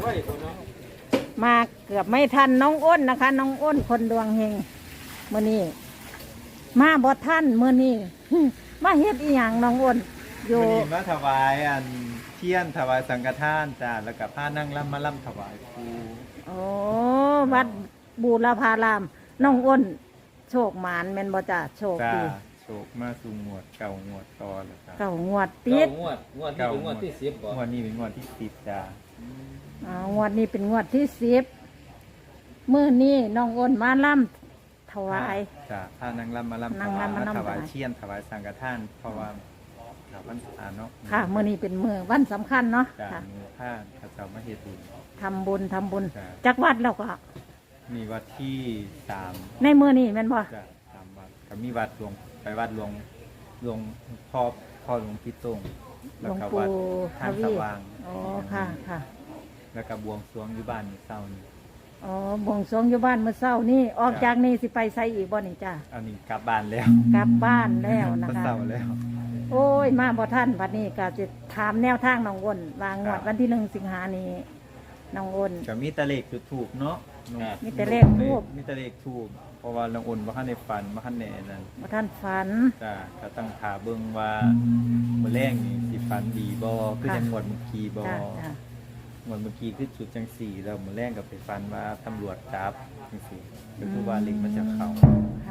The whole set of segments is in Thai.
มาเกือบไม่ทันน้องอ้นนะคะ น้องอ้นคนดวงเฮงมื้อนี้มาบ่ทันมื้อนี้ มาเฮ็ดอีหยังน้องอ้นอยู่วันนี้มาถวายอันเทียนถวายสังฆทานจ้าแล้วก็ผ้านั่งล่ำมาล่ำถวายครูโอ้วัดบูรพารามน้องอ้นโชคหมานแม่นบ่จ้ะโชคจ้าดีโชคมาสู่งวดเก่างวดต่อแล้วจ้าเก้างวดติดงวดที่เป็นงวดที่10บ่งวดนี้เป็นงวดที่10จ้างวดนี้เป็นงวดที่10มื้อนี้น้องอ้นมาล่ำถวายจ้าผ้านั่งล่ำมาล่ำนั่ถงวายรำมามาล่ำถวายถวายเทียนถวายสังฆทานเพราะว่าถวายวันอาเนาะค่ะมื้อนี้เป็นมื้อวันสำคัญเนาะจ้าค่ะมีผ้าข้าเจ้ามาเฮ็ดบุญทำบุญจ้ะจักวัดแล้วก็มีวัดที่3 ในมื้อนี้แม่นบ่จ้า3วัดก็มีวัดหลวงไปวัดหลวงพ่อหลวงพี่ตงหลแล้ววงก็ปู่วัดทท่านวีสว่างอ๋อค่ะค่ะแล้วก็บวงสรวงอยู่บ้านมื้อเช้านี้อ๋อบวงสรวงอยู่บ้านมื้อเช้านี่ออกจากนี่สิไปไสอีกบ่นี่จ้าอันนี้กลับบ้านแล้วกลับบ้านแล้วนะมื้อคะเช้าแล้วโอ้ยมาบ่ทันบัดนี้ก็จะถามแนวทางน้องอ้นวางงวดวันที่1สิงหานี้น้องอ้นก็มีแตะเลขจุดถูกเนาะมีแต่เลขทูปมีแตะเลขถูกเพราะว่าน้องอุ่นบ่ทันได้ฝันบ่ทันได้นั่นบ่ทันฝันจ้าก็ต้องถาเบิ่งว่ามื้อแรงนี่สิฝันดีบ่คือจังหวัดเมื่อกี้บ่จ้าจ้างวดเมื่อกี้คือจุดจังสี่แล้วมื้อแรงก็ไปฝันว่าตำรวจจับจังซี่ก็คือว่าเลขมันจะเข้าค่ะ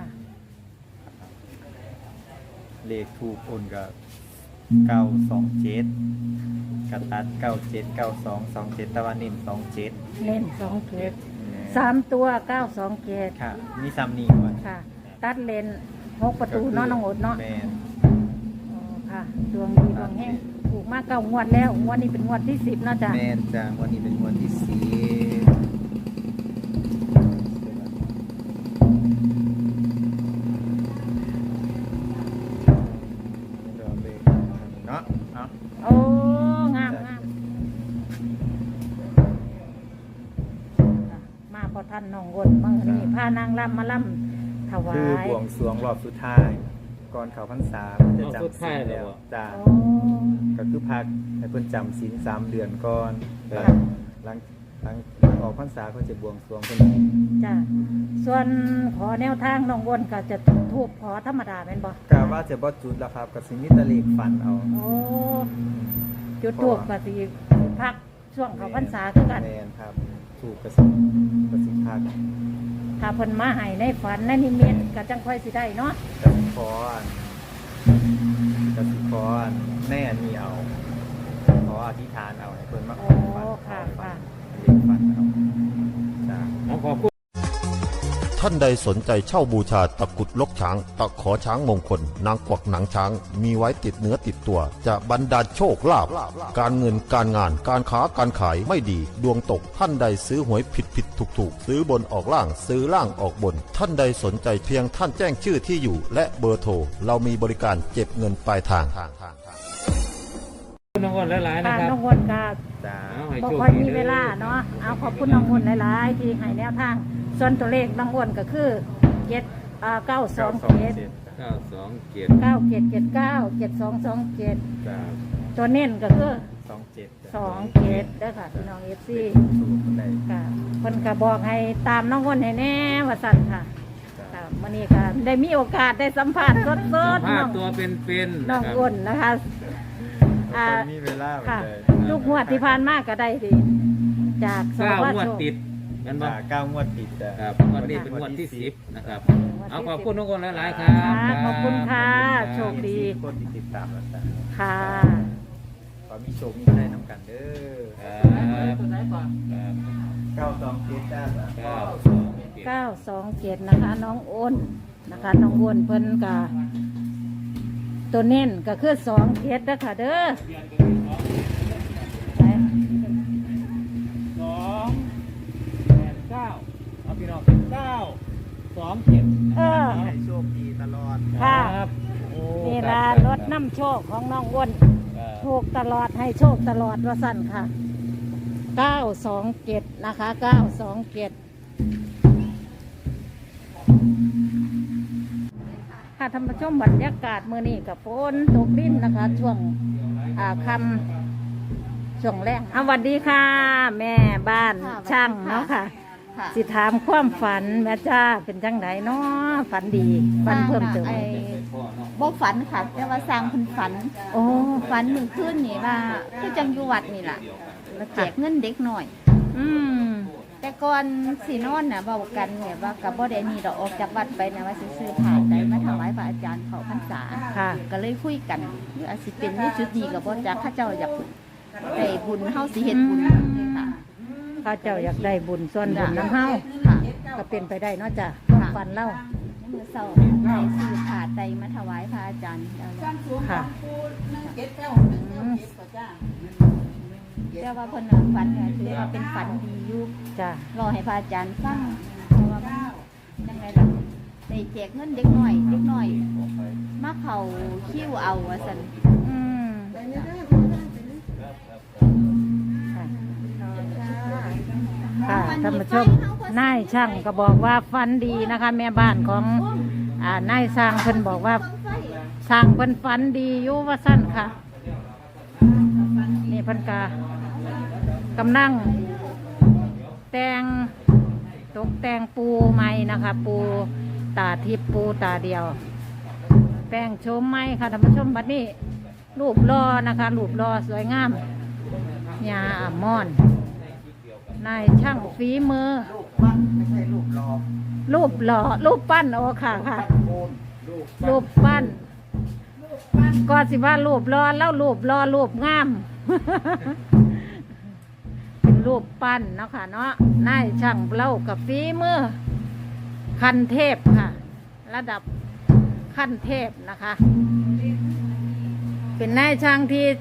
เลขถูกโอนก็927กระตัด979227ตะวันนิน27 เน้น2เกต3ตัว92เกตค่ะมีซ้ำนี้ก่อนค่ะ ตัดเลน6ประตูเนาะน้องอ้นเนาะแม่นอ๋อค่ะดวงดีดวงแห้งถูกมากเก้างวดแล้วงวดนี้เป็นงวดที่10เนาะจ้ะแม่นจ้ะวันนี้เป็นวันที่สี่เดี๋ยวเลขเนาะเนาะโอ้งามงามมาพอท่านน้องอ้นมื้อนี้พานางรำมาล่ำถวาคือย บวงสรวงรอบสุดท้ายก่อนเข้าพรรษามันจะจำศีลแล้วจ้าโอ้ก็คือพักให้เพิ่นจำศีล3 เดือนก่อนค่ะหลังออกพรรษาเพิ่นจะบวงสรวงเพิ่นจ้ะส่วนขอแนวทางน้องอ้นก็จะจุดธูปขอธรรมดาแม่นบ่กะว่าจะบ่จุดแล้วครับก็สิมีแตะเลขฝันเอาโอ้จุดธูปก็สิพักช่วงเข้าพรรษาคือกันแม่นครับถูกกสิพักถ้าเพิ่นมาให้ในฝันในนิมิตก็จังค่อยสิได้เนาะกสิขออันกสิขออันแน่นี่เอาขออธิษฐานเอาให้เพิ่นมาขโอ้อฝันค่ะค่ะเลขฝันเอาจ้าขอบคุณท่านใดสนใจเช่าบูชาตะกรุดลกช้าง ตะขอช้างมงคล นางกวักหนังช้าง มีไว้ติดเนื้อติดตัว จะบรรดาลโชคลาภการเงินการงานการค้าการขายไม่ดี ดวงตกท่านใดซื้อหวยผิดถูกซื้อบนออกล่างซื้อล่างออกบน ท่านใดสนใจเพียงท่านแจ้งชื่อที่อยู่ และเบอร์โทรเรามีบริการเก็บเงินปลายทางน้องอ้นหลายๆนะค่ะครับน้องอ้นก็จ้าเอาให้บ่โชคค่อยดีมีเวลาเนาะเอาขอบคุณน้องอ้นหลายๆที่ให้แนวทางส่วนตัวเลขน้องอ้นก็คือ927 927 927 9779 7227 จ้าตัวเน้นก็คือ 27 2เกตเด้อค่ะพี่น้อง FC ถูกได้ค่ะเพิ่นก็บอกให้ตามน้องอ้นให้แน่ว่าสั่นค่ะค่ะมื้อนี้ก็ได้มีโอกาสได้สัมภาษณ์สดสัมๆภาน้ษองณ์ตัวเป็นๆน้องนะครับอ้นนะคะอ่ามีเวลาค่ะเลยลูกงวดที่ผ่านมาก็ได้ดีจากส 9 วังวดโชคติดกันบ่จ้า9 งวดติดจ้ะครับงวดนี้เป็นงวดที่10นะครับงวดที่เอาขอบคุณน้องอ้นหลายๆครัค่ะบขอบคุณค่ะ โชคดีคนที่ติดตามแล้วจ้ะค่ะขอมีโชคมีชัยน้ำกันเด้อครับ 927จ้า 927นะคะน้องอ้นนะคะน้องอ้นเพิ่นก็ตัวเน้นก็คือ2เกตเด้อค่ะเด้อไหน 289เอาพี่น้อง927 เออให้โชคดีตลอดค่ะครับโอ้นี่ล่ะรถน้ำโชคของน้องอ้นครับถูกตลอดให้โชคตลอดว่าสั่นค่ะ 927นะคะ927ค่ะท่านผู้ชมบรรยากาศมื้อนี้กับฝนตกลิ้นนะคะ ช่วงคำช่วงแรกสวัสดีค่ะ แม่บ้านค่ะช่างสวัสดีค่ะเนาะค่ะค่ะสิถามความฝันแม่จ้าเป็นจังไดเนาะฝันดีฝันเพิ่มเติมไอ้บ่ฝันค่ะ แต่ว่าสร้างเพิ่นฝันโอ้ฝันมื้อคืนนี่ว่าคือจังอยู่วัดนี่ล่ะแล้วแจกเงินเด็กหน่อยอืมแต่ก่อนสินอนน่ะเว้ากันเนี่ยว่าก็บ่ได้นี่ดอกออกจากวัดไปนะว่าสิซื้อผ้าไตรมาถวายพระอาจารย์เข้าพรรษาค่ะก็เลยคุยกันหรืออาจสิเป็นในจุดนี้ก็บ่จักเขาเจ้าอยากได้บุญเฮาสิเฮ็ดบุญเลยค่ะข้าเจ้าอยากได้บุญส่วนบุญน้ำเฮาค่ะก็เป็นไปได้เนาะจ้ะความฝันเล่าในมื้อเช้าได้ซื้อผ้าไตรมาถวายพระอาจารย์แล้วค่ะอืมแต่ว่าเพิ่นน่ะฝันเนี่ยถือว่าเป็นฝันดีอยู่จ้ะรอให้พระอาจารย์ฟังเพราะว่ามันจังไดล่ะได้แจกเงินเด็กน้อยมาเข้าคิวเอาว่าซั่นอืมค่ะท่านผู้ชมนายช่างก็บอกว่าฝันดีนะคะ แม่บ้านของนายสร้างเพิ่นบอกว่าสร้างเพิ่นฝันดีอยู่ว่าสั้นค่ะ นี่เพิ่นกำลังแต่งตกแต่งปูใหม่นะคะ ปูตาทิพย์ปูตาเดียว แต่งโฉมใหม่ค่ะท่านผู้ชมบัดนี้ รูปรอนะคะรูปรอสวยงามยาอ่ำม่อนนายช่างฝีมือ รูปหล่อรูปปั้นโอ้ค่ะค่ะรูปปั้นก็สิว่ารูปรอแล้วรูปรอรูปงาม เป็นรูปปั้นเนาะค่ะเนาะนายช่างเล่ากับฝีมือขั้นเทพค่ะ ระดับขั้นเทพนะคะ เป็นนายช่าง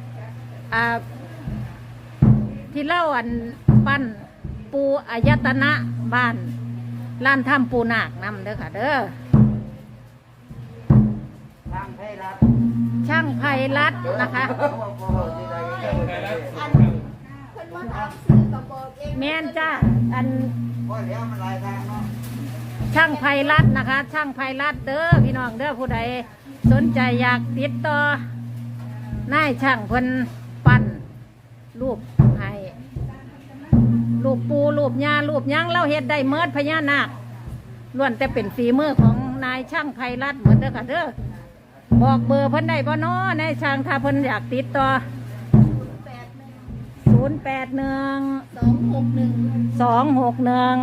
ที่เล่าอันปั้นปูอายตนะบ้านร้านถ้ำปูนาคนำเด้อค่ะเด้อช่างไพรัตน์นะคะแม่นจ้าอันช่างไพรัตน์นะคะ ช่างไพรัตน์เด้อพี่น้องเด้อผู้ใดสนใจอยากติดต่อนายช่างคนปั้นรูปให้รูปปูรูปยารูปหยังเล่าเฮ็ดได้เมิดพญานาคล้วนแต่เป็นฝีมือของนายช่างไพรัตน์เหมือนเด้อค่ะเด้อบอกเบอร์เพิ่นได้บ่น้อนายช่างถ้าเพิ่นอยากติดต่อ081 261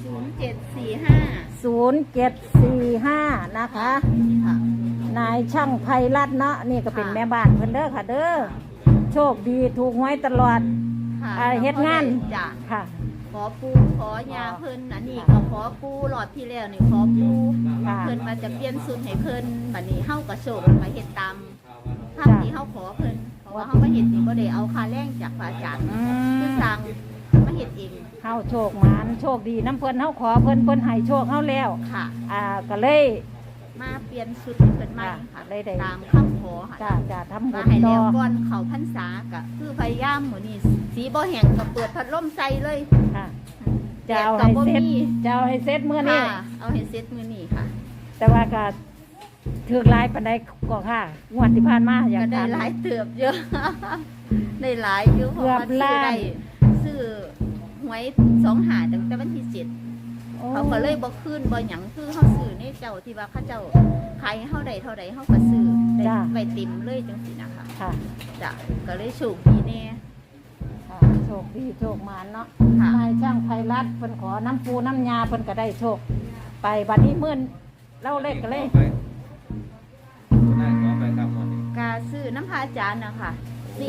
0745 นะคะค่ะนายช่างไพรัตน์เนาะนี่ก็เป็นแม่บ้านเพิ่นเด้อค่ะเด้อโชคดีถูกหวยตลอดค่ะเฮ็ดงานจ้ะค่ะขอปูขอยาเพิ่นอันนี้ก็ขอปูหลอดที่แล้วนี่ขอปูค่ะเพิ่นมาจะเปลี่ยนสูตรให้เพิ่นบัดนี้เฮาก็โชคมาเฮ็ดตามภาพที่เฮาขอเพิ่นเพราะว่าเฮามาเฮ็ดนี่บ่ได้เอาค่าแรงจากพระอาจารย์อืคือมสร้างมาเฮ็ดเองเฮาโชคหมานโชคดีน้ำเพิ่นเฮาขอเพิ่นให้โชคเฮาแล้วค่ะก็เลยมาเปลี่ยนสูตรให้เพิ่นใหม่ค่ะได้ตามคำขอค่ะจะทำบุมาญให้ต่แล้อวก่อนเข้าพรรษาก็คือพยายามมื้อนี้สีบ่แห้งก็เปิดพัดลมใส่เลยค่ะจะเอาให้เสร็จจะเอาให้เสร็จมื้อนี้ค่ะเอาให้เสร็จมื้อนี้ค่ะแต่ว่าก็ถือหลายปานใดก็ค่ะงวดที่ผ่านมาอยากก็ได้ถามหลายเติบเยอะ ได้หลายอยู่เพราะว่าเกือบล้านซื้อหวย2หาตั้งแต่วันที่7 โอ้เขาก็เลยบ่คืนบ่หยังคือเฮาซื้อในเจ้าที่ว่าเขาเจ้าขายให้เฮาได้เท่าใดเฮาก็ซื้อได้ไว้เต็มเลยจังซี่นะคะค่ะจ้ะก็เลยโชคดีแน่ค่ะโชคดีโชคหมานเนาะค่ะนายช่างไพรัตน์เพิ่นขอน้ำปูน้ำยาเพิ่นก็ได้โชค ไปบัดนี้มื้อเล่าเลขกันเลยได้ขอไปครับหมดนี้กาซื้อน้ำพระอาจารย์นะคะ497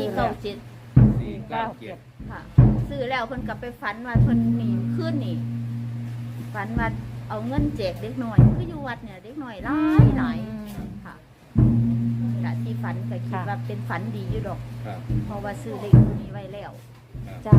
497 ค่ะซื้อแล้วเพิ่นก็ไปฝันว่าเพิ่นหนีขึ้นนี่ฝันว่าเอาเงินแจกเด็กหน่อยคืออยู่วัดเนี่ยเด็กหน่อยหลายค่ะแต่ที่ฝันก็คิดว่าเป็นฝันดีอยู่ดอกครับเพราะว่าซื้อเลขตัวนี้ไว้แล้วจ้ะ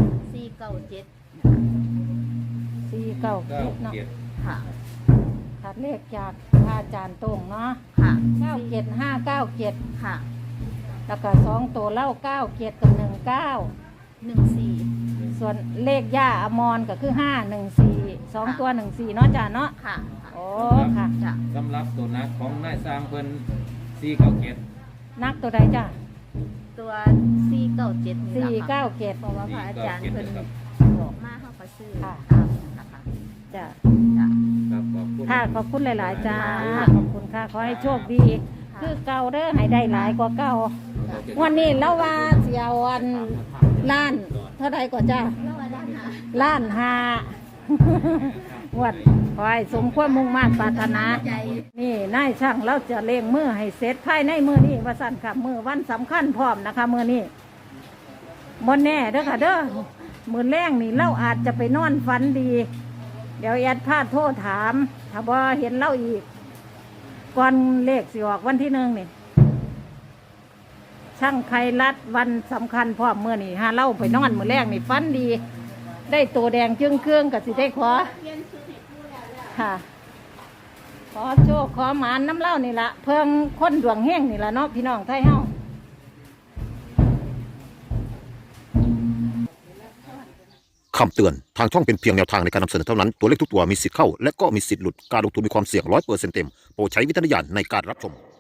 497 497เนาะ 97 ค่ะขาดเลขจากพระอาจารย์ตรงเนาะค่ะ 97597 ค่ะแล้วก็2ตัวเล่า97กับ19 14 ส่วนเลขย่าอมรก็คือ514 2ตัว14เนาะจ้ะเนาะค่ะโอ้ค่ะจ้ะสำหรับตัวนักของนายสร้างเพิ่น497 นักตัวใดจ้ะตัว497นี่สี่ล่ะค่ะเก้าเจ็ดเพราะว่าพระอาจารย์เพิ่นบอกมาเฮาก็ซื้อค่ะตามนั่นล่ะค่ะจ้ะจ้ะครับขอบคุณค่ะขอบคุณหลาย ๆ จ้าค่ะขอบคุณค่ะ ขอให้โชคดี คือเก่าเด้อให้ได้หลายกว่าเก่าวันนี้แล้วว่าเสียวันล้านเท่าไรก็จ้าแล้วว่าด้านหาล้านห้า วัดขอให้สมความมุ่งมั่นปรารถนาใจนี่นายช่างเราจะเล่งมือให้เสร็จภายในมือนี้ว่าสั่นค่ะมือวันสำคัญพร้อมนะคะมือนี้บนแน่เด้อค่ะเด้อมือแรงนี่เราอาจจะไปนอนฝันดี เดี๋ยวแอดพาดโทษถามถ้าบ่เห็นเล่าอีก ก่อนเลขสิออกวันที่1นี่ช่างไครัดวันสำคัญพร้อมมือนี่หาเล่าไปนอนมือแรงนี่ฝันดี ได้ตัวแดงจึงเครื่องกับสิได้ขอค่ะ ขอโชคขอหมานน้ำเล่านี่ละเพิ่งคนดวงแห้งนี่ละเนาะพี่น้องไทยเฮาคำเตือน ทางช่องเป็นเพียงแนวทางในการนำเสนอเท่านั้น ตัวเลขทุกตัวมีสิทธิ์เข้า และก็มีสิทธิ์หลุด การลงทุนมีความเสี่ยง100%เต็ม โปรดใช้วิจารณญาณในการรับชม